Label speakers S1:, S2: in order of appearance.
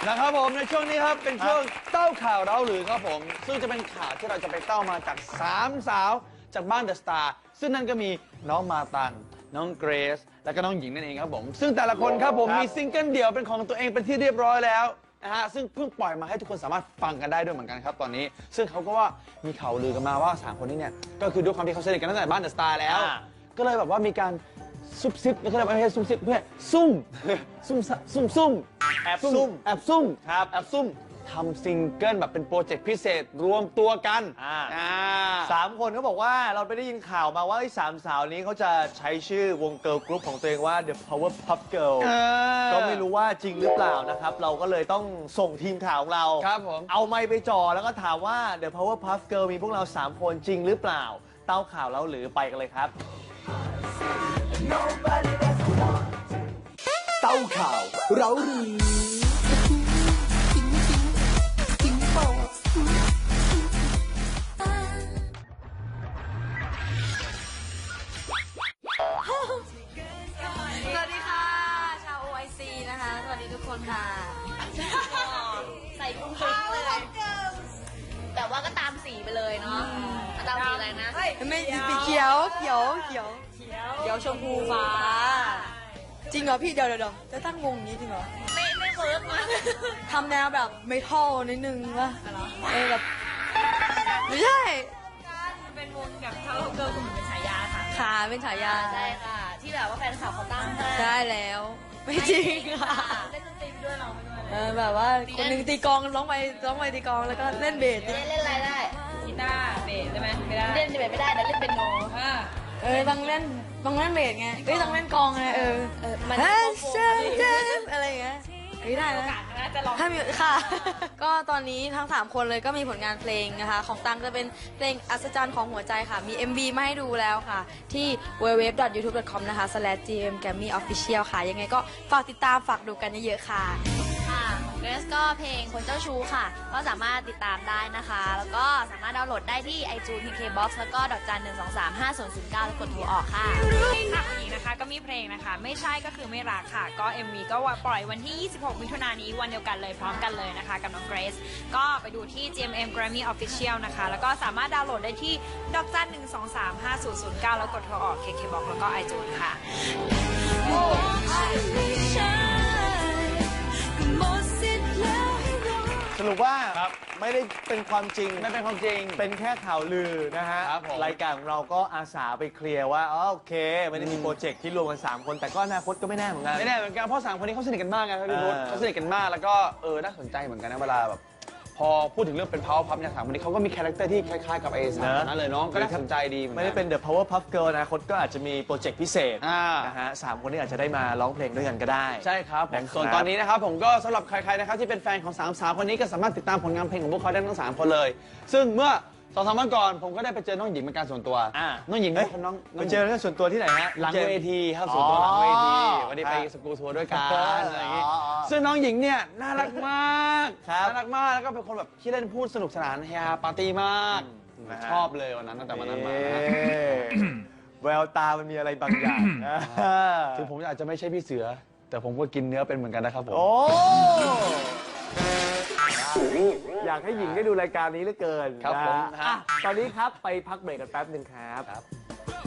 S1: นะครับผมในช่วงนี้ครับเป็นช่วงเต้าข่าวเราหรือครับผมซึ่งจะเป็นข่าวที่เราจะไปเต้ามาจาก3 สาวจากบ้านเดอะสตาร์ซึ่งนั่นก็มีน้องมาตันน้องเกรซและก็น้องหญิงนั่นเองครับผมซึ่งแต่ละคนครับผมมีซิงเกิลเดี่ยวเป็นของตัวเองเป็นที่เรียบร้อยแล้วนะฮะซึ่งเพิ่งปล่อยมาให้ทุกคนสามารถฟังกันได้ด้วยเหมือนกันครับตอนนี้ซึ่งเขาก็ว่ามีข่าวลือกันมาว่า3 คนนี้เนี่ยก็คือด้วยความที่เขาสนิทกันตั้งแต่บ้านเดอะสตาร์แล้วก็เลยแบบว่ามีการซุบซิบเขาเรียกว่าไม่ใช่ซุบซิบเพื่อซุ่มแอบซุ่มครับแอบซุ่มทำซิงเกิลแบบเป็นโปรเจกต์พิเศษรวมตัวกัน
S2: 3 คนเขาบอกว่าเราไปได้ยินข่าวมาว่า3 สาวนี้เขาจะใช้ชื่อวงเกิร์ลกรุ๊ปของตัวเองว่า The Powerpuff Girl ก็ไม่รู้ว่าจริงหรือเปล่านะครับเราก็เลยต้องส่งทีมข่าวของเราเอาไมค์ไปจ่อแล้วก็ถามว่า The Powerpuff Girl มีพวกเรา3 คนจริงหรือเปล่าเต้าข่าวเราหรือไปกันเลยครับ
S3: เต้าข่าวเราหรือ
S4: สวัสดีค่ะชาว OIC นะคะสวัสดีทุกคนค่ะใส่กุ้งเลยแต่ว่าก็ตามสีไปเลยเนาะตามสีอะไรนะ
S5: ไม่สีเขียวชมพูฟ้าจริงเหรอพี่เดี๋ยวจะตั้งวงนี้จริงเหรอ
S4: ไม่เวิร์กนะ
S5: ทำแนวแบบเมทัลนิดนึงวะแบบไม่ใช่
S4: เป็นวงแบบเท่าเกิร์ลกลุ่มเป็นฉายา
S5: ค่ะเป็นฉายา
S4: ใช่ค่ะที่แบบว่าแฟนคลับเขาตั้งให้
S5: ใช่แล้วไม่จริงค่ะ
S4: เล่นดนตรีด้วยเราไม่ด้วย
S5: แบบว่าคนหนึ่งตีกลองร้องไปตีกลองแล้วก็เล่นเบส
S4: เล่นอะไรได้
S6: กีตาร์เบสได้ไหมไม่ได้
S4: เล่นเบสไม่ได้แต่เล่นเป็นโน
S5: ต้องเล่นเบสไงต้องเล่นกลองไง
S4: มัน
S5: อะไรอย่างเงี้ยได้นะ
S6: จะลอง
S5: ถ้ามีค่ะก็ตอนนี้ทั้ง3 คนเลยก็มีผลงานเพลงนะคะของตังจะเป็นเพลงอัศจรรย์ของหัวใจค่ะมี MV มาให้ดูแล้วค่ะที่ www.youtube.com นะคะ /gmgammyofficial ค่ะยังไงก็ฝากติดตามฝากดูกันเยอะๆค่ะ
S4: ของเกรซก็เพลงคนเจ้าชู้ค่ะก็สามารถติดตามได้นะคะแล้วก็สามารถดาวน์โหลดได้ที่ iTunes KKBox แล้วก็*1235009แล้วกดโทรออกค่ะ
S6: ค่ะอีกนะคะก็มีเพลงนะคะไม่ใช่ก็คือไม่รักค่ะก็ MV ก็ปล่อยวันที่26 มิถุนายนนี้วันเดียวกันเลยพร้อมกันเลยนะคะกับน้องเกรซก็ไปดูที่ GMM Grammy Official นะคะแล้วก็สามารถดาวน์โหลดได้ที่*1235009แล้วกดโทรออก KKBox แล้วก็ iTunes ค่ะ
S2: สรุปว่าไม่ได้เป็นความจริง
S1: ไม่เป็นความจริง
S2: เป็นแค่ข่าวลือนะฮะรายการของเราก็อาสาไปเคลียร์ว่าโอเคไม่ได้มีโปรเจกต์ที่รวมกัน3 คนแต่ก็อนาคตก็ไม่แน่เหมือนกัน
S1: เพราะ3 คนนี้เขาสนิทกันมากไงพี่พุทธเขาสนิทกันมากแล้วก็น่าสนใจเหมือนกันนะเวลาแบบพอพูดถึงเรื่องเป็น Powerpuff เนี่ย3 คนนี้เขาก็มีคาแรคเตอร์ที่คล้ายๆกับ3 คนนั้นเลยน้องก็น่าสนใจดี
S2: ไม่ได้เป็น The Powerpuff Girl นะคนก็อาจจะมีโปรเจกต์พิเศษนะฮะ3 คนนี้อาจจะได้มาร้องเพลงด้วยกันก็ได้
S1: ใช่ครับส่วนตอนนี้นะครับผมก็สำหรับใครๆนะครับที่เป็นแฟนของ3 สาวคนนี้ก็สามารถติดตามผลงานเพลงของพวกเขาได้ทั้ง3 คนเลยซึ่งเมื่อ2-3 วันก่อนผมก็ได้ไปเจอน้องหญิงเป็นการส่วนตัวน้องหญิงน้อง
S2: ไปเจอกันส่วนตัวที่ไหนฮะ
S1: หลังเวทีครับส่วนตัวหลังเวทีวันนี้ไปสกูทัวร์ด้วยกันอะไรอย่างงี้ซึ่งน้องหญิงเนี่ยน่ารักมากแล้วก็เป็นคนแบบที่เล่นพูดสนุกสนานเฮฮาปาร์ตี้มากชอบเลยวันนั้นตั้งแต่วันนั้นมา
S2: แววตามันมีอะไรบางอย่าง
S1: ถึงผมอาจจะไม่ใช่พี่เสือแต่ผมก็กินเนื้อเป็นเหมือนกันนะครับผม
S2: อยากให้หญิงได้ดูรายการนี้เหลือเกิน
S1: ครับผม
S2: ตอนนี้ครับไปพักเบรกกันแป๊บหนึ่งครับ